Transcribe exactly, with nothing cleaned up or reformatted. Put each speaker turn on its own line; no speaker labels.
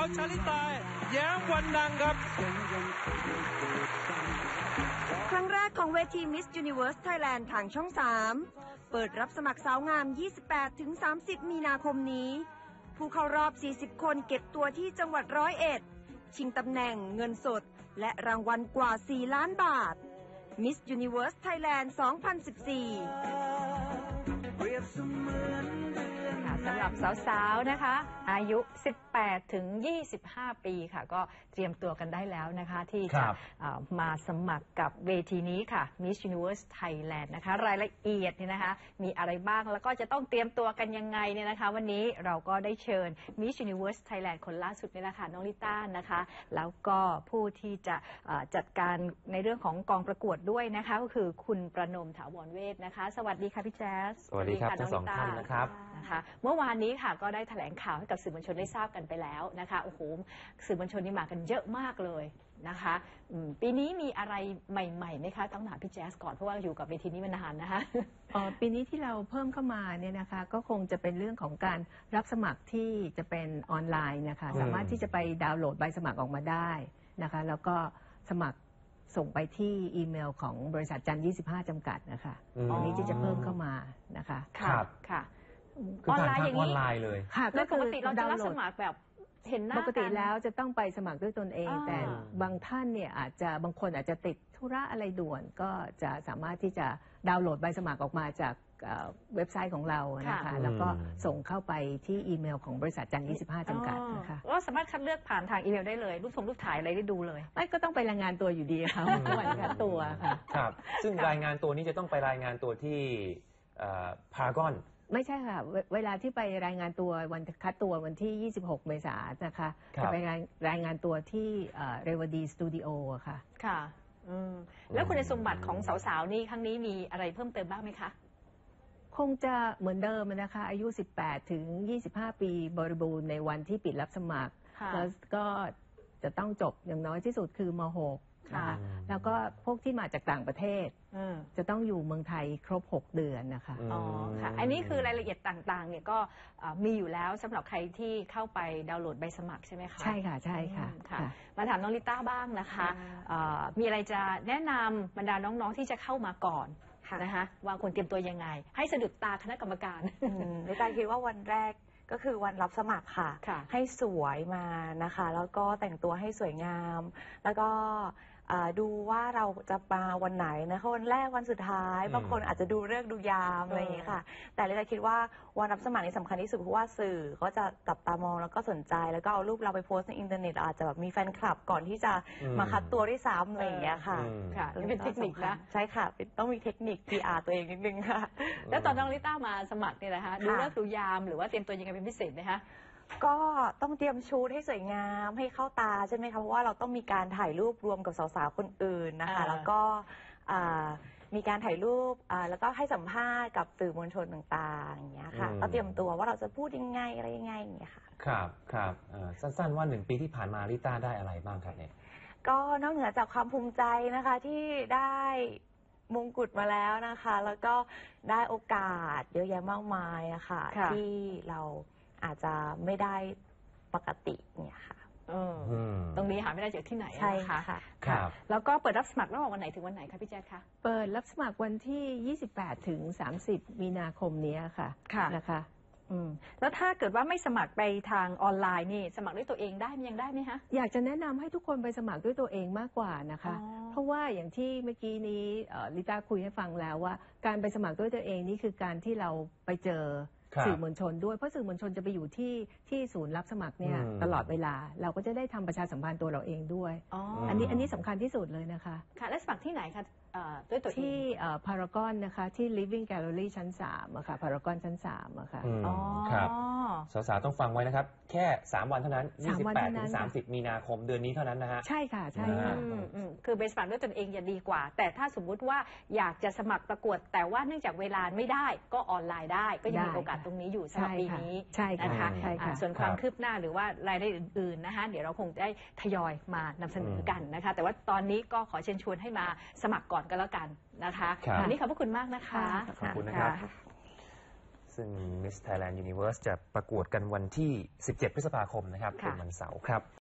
าวชาลิตาแย้มวรรณังครับ
ครั้งแรกของเวที Miss Universe Thailand ทางช่องสามเปิดรับสมัครสาวงาม ยี่สิบแปดถึงสามสิบ มีนาคมนี้ผู้เข้ารอบ สี่สิบ คนเก็บตัวที่จังหวัดร้อยเอ็ดชิงตำแหน่งเงินสดและรางวัลกว่า สี่ ล้านบาท Miss Universe Thailand สองพันสิบสี่
สำหรับสาวๆนะคะอายุสิบแปดถึงยี่สิบห้าปีค่ะก็เตรียมตัวกันได้แล้วนะคะที่จะมาสมัครกับเวทีนี้ค่ะ Miss Universe Thailand นะคะรายละเอียดเนี่ยนะคะมีอะไรบ้างแล้วก็จะต้องเตรียมตัวกันยังไงเนี่ยนะคะวันนี้เราก็ได้เชิญ Miss Universe Thailand คนล่าสุดนี่แหละค่ะน้องลิต้านะคะแล้วก็ผู้ที่จะจัดการในเรื่องของกองประกวดด้วยนะคะก็คือคุณประนมถาวรเวชนะคะสวัสดีค่ะพี่แจ๊ส
สวัสดีครับทั้งสองท่านนะครับ
นะคะเมื่อวานนี้ค่ะก็ได้แถลงข่าวให้กับสื่อมวลชนได้ทราบกันไปแล้วนะคะโอ้โหสื่อมวลชนนี่มากันเยอะมากเลยนะคะปีนี้มีอะไรใหม่ๆไหมคะต้องถามพี่แจ๊สก่อนเพราะว่าอยู่กับเวทีนี้มานานนะคะ
อ๋อปีนี้ที่เราเพิ่มเข้ามาเนี่ยนะคะก็คงจะเป็นเรื่องของการรับสมัครที่จะเป็นออนไลน์นะคะสามารถที่จะไปดาวน์โหลดใบสมัครออกมาได้นะคะแล้วก็สมัครส่งไปที่อีเมลของบริษัทจันยี่สิบห้าจำกัดนะคะอันนี้ที่จะเพิ่มเข้ามานะคะ
ครับค่ะ
ออนไลน์อย่างนี้ออนไลน์เลย
ค่ะก็ปกติเราจะรับสมัครแบบเห็นหน้า
ปกติแล้วจะต้องไปสมัครด้วยตนเองแต่บางท่านเนี่ยอาจจะบางคนอาจจะติดธุระอะไรด่วนก็จะสามารถที่จะดาวน์โหลดใบสมัครออกมาจากเว็บไซต์ของเรานะคะแล้วก็ส่งเข้าไปที่อีเมลของบริษัทจันยี่สิบห้าจำกัดนะคะ
ก็สามารถคัดเลือกผ่านทางอีเมลได้เลยรูปทรงรูปถ่ายอะไรได้ดูเลย
ไม่ก็ต้องไปรายงานตัวอยู่ดีค่ะวันคัดตัวค่ะ
ครับซึ่งรายงานตัวนี้จะต้องไปรายงานตัวที่พารากอน
ไม่ใช่ค่ะเวลาที่ไปรายงานตัววันคัดตัววันที่ยี่สิบหกเมษายนนะคะจะไปรายงานตัวที่เรวดีสตูดิโอค่ะ
ค่ะแล้วคุณสมบัติของสาวๆนี่ครั้งนี้มีอะไรเพิ่มเติมบ้างไหมคะ
คงจะเหมือนเดิมนะคะอายุสิบแปดถึงยี่สิบห้าปีบริบูรณ์ในวันที่ปิดรับสมัครแล้วก็จะต้องจบอย่างน้อยที่สุดคือม หกนะคะแล้วก็พวกที่มาจากต่างประเทศจะต้องอยู่เมืองไทยครบหกเดือนนะคะ
อ๋อค่ะอันนี้คือรายละเอียดต่างๆเนี่ยก็มีอยู่แล้วสำหรับใครที่เข้าไปดาวน์โหลดใบสมัครใช่ไหมคะ
ใช่ค่ะใช่ค่ะ
มาถามน้องลิต้าบ้างนะคะมีอะไรจะแนะนำบรรดาน้องๆที่จะเข้ามาก่อนนะคะว่าควรเตรียมตัวยังไงให้สะดุดตาคณะกรรมการ
ลิต้าคิดว่าวันแรกก็คือวันรับสมัครค่ะให้สวยมานะคะแล้วก็แต่งตัวให้สวยงามแล้วก็ดูว่าเราจะมาวันไหนนะคะวันแรกวันสุดท้ายบางคนอาจจะดูเลิกษ์ดูยามอะไรอย่างนี้ค่ะแต่ลิต้าคิดว่าวันรับสมัครนี่สำคัญที่สุดเพราะว่าสื่อก็จะจับตามองแล้วก็สนใจแล้วก็เอารูปเราไปโพสต์ในอินเทอร์เน็ตอาจจะแบบมีแฟนคลับก่อนที่จะมาคัดตัวด้วยซ้ำอะไรอย่างเงี้ยค่ะ
ค่ะเป็นเทคนิคนะ
ใช่ค่ะต้องมีเทคนิค พี อาร์ ตัวเองนิดนึงค่ะ
แล้วตอนน้องลิต้ามาสมัครเนี่ยนะคะดูเลิกษ์ดูยามหรือว่าเตรียมตัวยังไงเป็นพิเศษไหมคะ
ก็ต้องเตรียมชุดให้สวยงามให้เข้าตาใช่ไหมคะเพราะว่าเราต้องมีการถ่ายรูปรวมกับสาวๆคนอื่นนะคะแล้วก็มีการถ่ายรูปแล้วก็ให้สัมภาษณ์กับสื่อมวลชนต่างๆอย่างเงี้ยค่ะก็เตรียมตัวว่าเราจะพูดยังไงอะไรยังไงอย่างเงี้ยค่ะ
ครับครับสั้นๆว่าหนึ่งปีที่ผ่านมาลิต้าได้อะไรบ้างครับเนี่ย
ก็นอกเหนือจากความภูมิใจนะคะที่ได้มงกุฎมาแล้วนะคะแล้วก็ได้โอกาสเยอะแยะมากมายอะค่ะที่เราอาจจะไม่ได้ปกติเนี่ยค่ะ
ตรงนี้หาไม่ได้จากที่ไหน
ใช่ค่ะ
ครับแล้วก็เปิดรับสมัครระหว่างวันไหนถึงวันไหนคะพี่แจ๊คคะ
เปิดรับสมัครวันที่ยี่สิบแปดถึงสามสิบมีนาคมนี้ค่ะนะคะ
แล้วถ้าเกิดว่าไม่สมัครไปทางออนไลน์นี่สมัครด้วยตัวเองได้ยังได้ไหมคะ
อยากจะแนะนำให้ทุกคนไปสมัครด้วยตัวเองมากกว่านะคะเพราะว่าอย่างที่เมื่อกี้นี้ลิต้าคุยให้ฟังแล้วว่าการไปสมัครด้วยตัวเองนี่คือการที่เราไปเจอสื่อมวลชนด้วยเพราะสื่อมวลชนจะไปอยู่ที่ที่ศูนย์รับสมัครเนี่ยตลอดเวลาเราก็จะได้ทำประชาสัมพันธ์ตัวเราเองด้วยอันนี้อันนี้สำคัญที่สุดเลยนะคะ
ค่ะและสมัครที่ไหนคะด้วยตัว
ที่พารากอนนะคะที่ Living Gallery ชั้นสามอะค่ะพารากอนชั้นสามอะค่ะ
อ๋อครับสาวๆต้องฟังไว้นะครับแค่สามวันเท่านั้นยี่สิบแปดถึงสามสิบมีนาคมเดือนนี้เท่านั้นนะฮะ
ใช่ค่ะใช่ค่ะ
คือไปสมัครด้วยตนเองจะดีกว่าแต่ถ้าสมมุติว่าอยากจะสมัครประกวดแต่ว่าเนื่องจากเวลาไม่ได้ก็ออนไลน์ได้ก็ยังมีโอกาสตรงนี้อยู่สำหรับปีนี้นะคะส่วนความคืบหน้าหรือว่ารายได้อื่นๆนะคะเดี๋ยวเราคงได้ทยอยมานำเสนอกันนะคะแต่ว่าตอนนี้ก็ขอเชิญชวนให้มาสมัครก่อนก็แล้วกันนะคะวันนี้ขอบพระคุณมากนะคะ
ขอบคุณนะครับซึ่ง Miss Thailand Universe จะประกวดกันวันที่ สิบเจ็ด พฤษภาคมนะครับเป็นวันเสาร์ครับ